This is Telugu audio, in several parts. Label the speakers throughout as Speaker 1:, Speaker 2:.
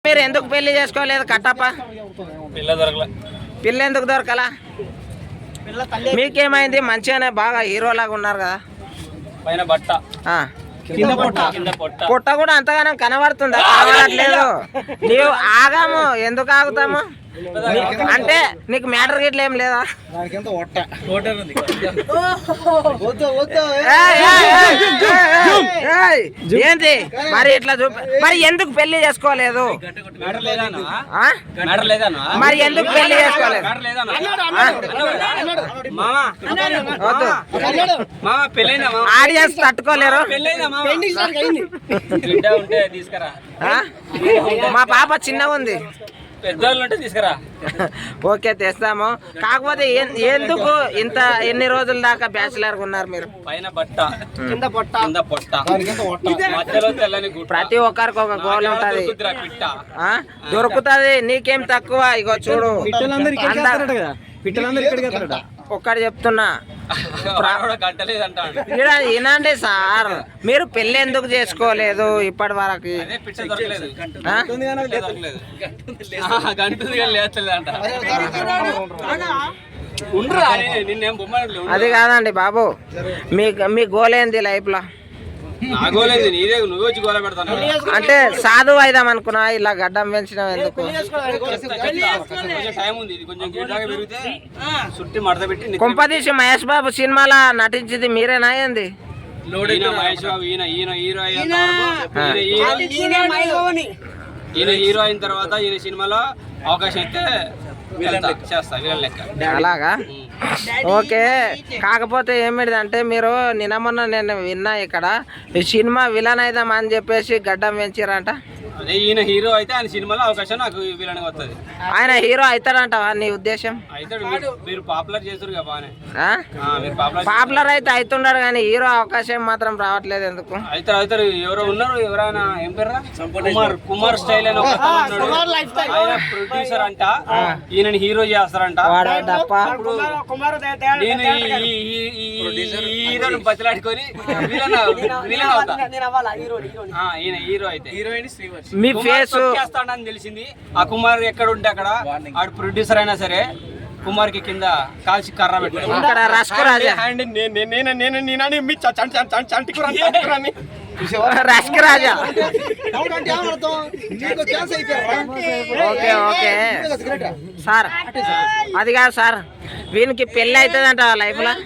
Speaker 1: మీరు ఎందుకు పెళ్లి చేసుకోలేదు కట్టప్ప? పిల్ల ఎందుకు దొరకలా? మీకేమైంది? మంచిగానే బాగా హీరోలాగా ఉన్నారు కదా.
Speaker 2: పైన బట్ట
Speaker 1: పొట్ట కూడా అంతగానం కనబడుతుందా? కనబడట్లేదు. నీవు ఆగాము, ఎందుకు ఆగుతాము? అంటే నీకు మ్యాటర్ గిట్ల ఏం లేదా? ఏంటి మరి ఇట్లా మరి ఎందుకు పెళ్లి చేసుకోలేదు? మరి ఎందుకు పెళ్లి చేసుకోలేదు? ఆడియన్స్ తట్టుకోలేరు. మా పాప చిన్నగా ఉంది. ఓకే తెస్తాము. కాకపోతే ఎందుకు ఎన్ని రోజుల దాకా బ్యాచిలర్ ఉన్నారు మీరు?
Speaker 2: పైన బట్ట కింద పొట్ట
Speaker 1: ప్రతి ఒక్కరికి ఒక గోల్ ఉంటది. దొరుకుతుంది. నీకేం తక్కువ? ఇగో చూడు, ఒక్కటి చెప్తున్నా వినండి సార్. మీరు పెళ్లి ఎందుకు చేసుకోలేదు ఇప్పటి వరకు? అది కాదండి బాబు, మీ గోల్ ఏంది లైఫ్ లో? అంటే సాధువు అయిదాం అనుకున్నా, ఇలా గడ్డం పెంచడం ఎందుకు? కొంపదీసి మహేష్ బాబు సినిమాలో నటించింది మీరేనా ఏంది?
Speaker 2: ఈయన హీరో అయిన తర్వాత ఈయన సినిమాలో అవకాశం అయితే
Speaker 1: అలాగా? ఓకే. కాకపోతే ఏమిటిదంటే మీరు నిన్న నేను విన్నా ఇక్కడ ఈ సినిమా విలన్ అయిదాం అని చెప్పేసి గడ్డం పెంచారంట.
Speaker 2: అదే ఈయన హీరో అయితే ఆయన సినిమాలో అవకాశం నాకు విలన్ వస్తుంది.
Speaker 1: ఆయన హీరో అవుతాడంట నీ ఉద్దేశం?
Speaker 2: మీరు పాపులర్ చేస్తారు కదా బాగానే.
Speaker 1: పాపులర్ అయితే అవుతున్నాడు కానీ హీరో అవకాశం మాత్రం రావట్లేదు ఎందుకు?
Speaker 2: అవుతారు. ఎవరో ఉన్నారు, ఎవరైనా ఏం పేరు? కుమార్ స్టైల్ అని ఒక ఆయన ప్రొడ్యూసర్ అంట, ఈయన హీరో చేస్తారంట. నేను హీరోని బతిలాడుకొని విలన్ అవుతా. ఈయన హీరో అయితే
Speaker 1: మీ ఫేస్
Speaker 2: చేస్తాడని తెలిసింది. ఆ కుమార్ ఎక్కడ ఉంటే అక్కడ ఆడు ప్రొడ్యూసర్ అయినా సరే కుమార్ కి కింద కాల్చి కర్ర పెట్టాడు.
Speaker 1: రస్కు రాజా ఓకే ఓకే సార్, అది కాదు సార్, వీనికి పెళ్లి అవుతుందంట లైఫ్ లో.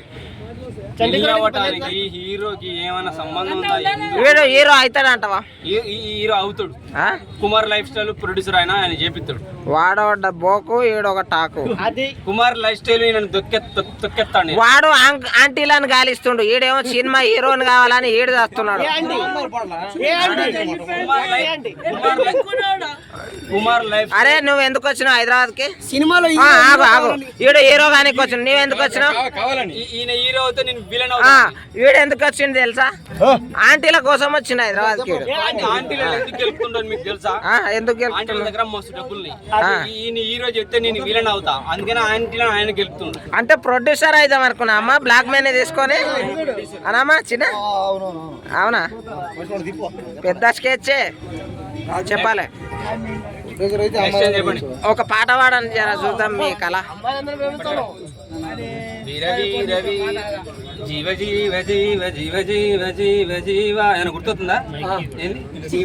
Speaker 2: హీరోకి ఏమైనా సంబంధం ఉందా?
Speaker 1: వీడు హీరో అవుతాడంటవా?
Speaker 2: హీరో అవుతాడు. కుమార్ లైఫ్ స్టైల్ ప్రొడ్యూసర్ అయినా ఆయన చేపిస్తాడు.
Speaker 1: వాడొక బోకు, ఈడొక టాకు.
Speaker 2: కుమార్ లైఫ్ స్టైల్ తొక్కెత్తాడు.
Speaker 1: వాడు ఆంటీలను గాలిస్తుండు, ఈడేమో సినిమా హీరోని కావాలని ఈడు చేస్తున్నాడు.
Speaker 2: కుమార్ లైఫ్.
Speaker 1: అరే నువ్వు ఎందుకు వచ్చినావు హైదరాబాద్ కి? సినిమాలో ఆగు, ఈడు హీరో కానీ వచ్చిన, నువ్వు ఎందుకు వచ్చినావు?
Speaker 2: ఈయన హీరో అవుతే నేను విలన్.
Speaker 1: వీడు ఎందుకు వచ్చింది తెలుసా? ఆంటీల కోసం వచ్చింది హైదరాబాద్ కి.
Speaker 2: ఎందుకు గెలుపుతుండని మీకు తెలుసా?
Speaker 1: ఎందుకు
Speaker 2: దగ్గర మస్తు డబ్బులు. ఈయన హీరో చెప్తే నేను విలన్ అవుతా, అందుకని ఆయన గెలుపుతుండు.
Speaker 1: అంటే ప్రొడ్యూసర్ అయిదాం అనుకున్నా అమ్మా, బ్లాక్ మనీ తీసుకొని అనమ్మా. చిన్న అవునా? పెద్ద స్కెచ్ చెప్పాలి. ఒక పాట పాడని జర చూద్దాం మీ కళ.
Speaker 2: జీవ జీవ జీవ జీవ జీవ జీవ జీవ అని గుర్తుందా?